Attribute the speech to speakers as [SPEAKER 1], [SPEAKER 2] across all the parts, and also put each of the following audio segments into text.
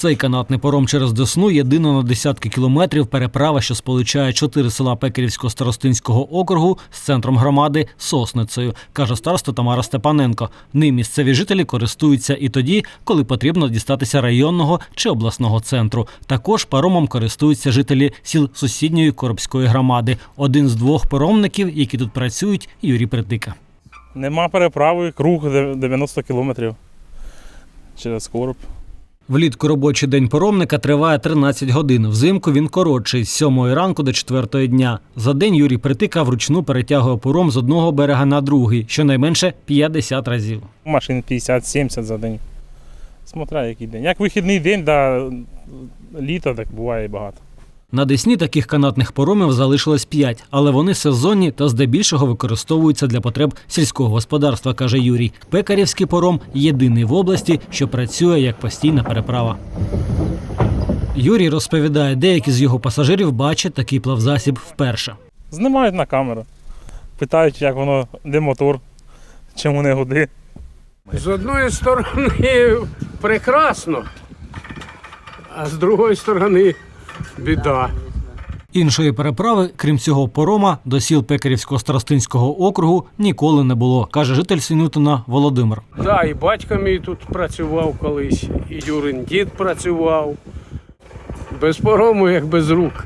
[SPEAKER 1] Цей канатний паром через Десну – єдина на десятки кілометрів переправа, що сполучає 4 села Пекарівського старостинського округу з центром громади – Сосницею, каже староста Тамара Степаненко. Ним місцеві жителі користуються і тоді, коли потрібно дістатися районного чи обласного центру. Також паромом користуються жителі сіл сусідньої Коробської громади. Один з 2 паромників, які тут працюють – Юрій Притика.
[SPEAKER 2] Нема переправи, круг 90 кілометрів через Короб.
[SPEAKER 1] Влітку робочий день паромника триває 13 годин. Взимку він коротший – з 7 ранку до 4 дня. За день Юрій Притика вручну перетягує паром з одного берега на другий, щонайменше 50 разів.
[SPEAKER 2] Машин 50-70 за день. Смотря який день. Як вихідний день, да, літо, так буває і багато.
[SPEAKER 1] На Десні таких канатних паромів залишилось 5, але вони сезонні та здебільшого використовуються для потреб сільського господарства, каже Юрій. Пекарівський паром – єдиний в області, що працює як постійна переправа. Юрій розповідає, деякі з його пасажирів бачать такий плавзасіб вперше.
[SPEAKER 2] Знімають на камеру, питають, як воно, де мотор, чому не гуди.
[SPEAKER 3] З одної сторони прекрасно, а з другої сторони біда.
[SPEAKER 1] Іншої переправи, крім цього парома, до сіл Пекарівського старостинського округу ніколи не було, каже житель Синютина Володимир.
[SPEAKER 3] Так, і батько мій тут працював колись, і Юрин дід працював. Без парому, як без рук.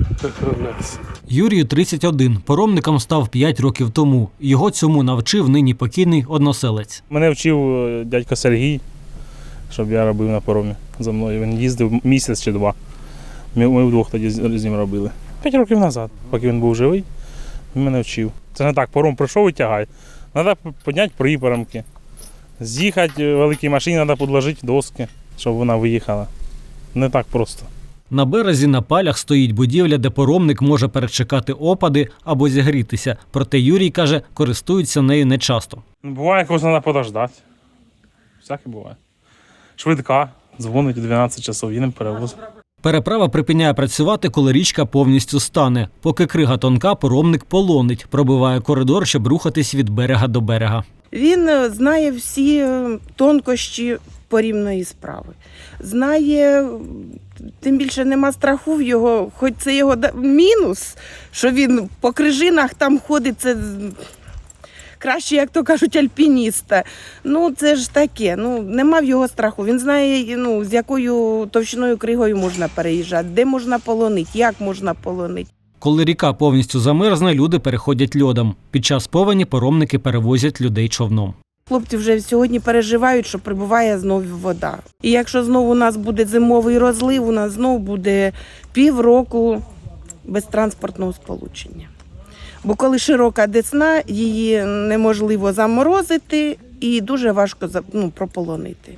[SPEAKER 1] Юрію 31. Паромником став 5 років тому. Його цьому навчив нині покійний односелець.
[SPEAKER 2] Мене вчив дядько Сергій, щоб я робив на паромі за мною. Він їздив місяць чи 2. Ми вдвох тоді з ним робили. 5 років назад, поки він був живий, він мене вчив. Це не так, паром прийшов і тягай. Треба підняти припарамки. З'їхати в великій машині, треба підложити доски, щоб вона виїхала. Не так просто.
[SPEAKER 1] На березі на палях стоїть будівля, де паромник може перечекати опади або зігрітися. Проте Юрій, каже, користується нею нечасто.
[SPEAKER 2] Буває, якось треба подождати. Всяке буває. Швидка, дзвонить у 12 часов, їдемо перевоз.
[SPEAKER 1] Переправа припиняє працювати, коли річка повністю стане. Поки крига тонка, паромник полонить, пробиває коридор, щоб рухатись від берега до берега.
[SPEAKER 4] Він знає всі тонкощі порівної справи. Знає, тим більше нема страху в його, хоч це його мінус, що він по крижинах там ходить, це краще, як то кажуть, альпініста. Ну, це ж таке, нема в його страху. Він знає, з якою товщиною кригою можна переїжджати, де можна полонити, як можна полонити.
[SPEAKER 1] Коли ріка повністю замерзне, люди переходять льодом. Під час повені паромники перевозять людей човном.
[SPEAKER 4] Хлопці вже сьогодні переживають, що прибуває знову вода. І якщо знову у нас буде зимовий розлив, у нас знову буде півроку без транспортного сполучення. Бо коли широка Десна, її неможливо заморозити і дуже важко прополонити.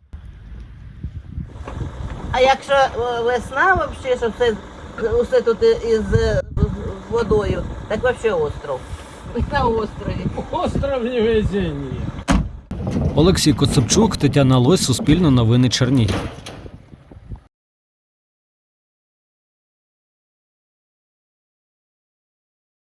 [SPEAKER 5] А якщо весна, взагалі, що все тут із водою, так взагалі остров. На острові.
[SPEAKER 3] Остров невезення.
[SPEAKER 1] Олексій Коцепчук, Тетяна Лось, Суспільне новини, Чернігів.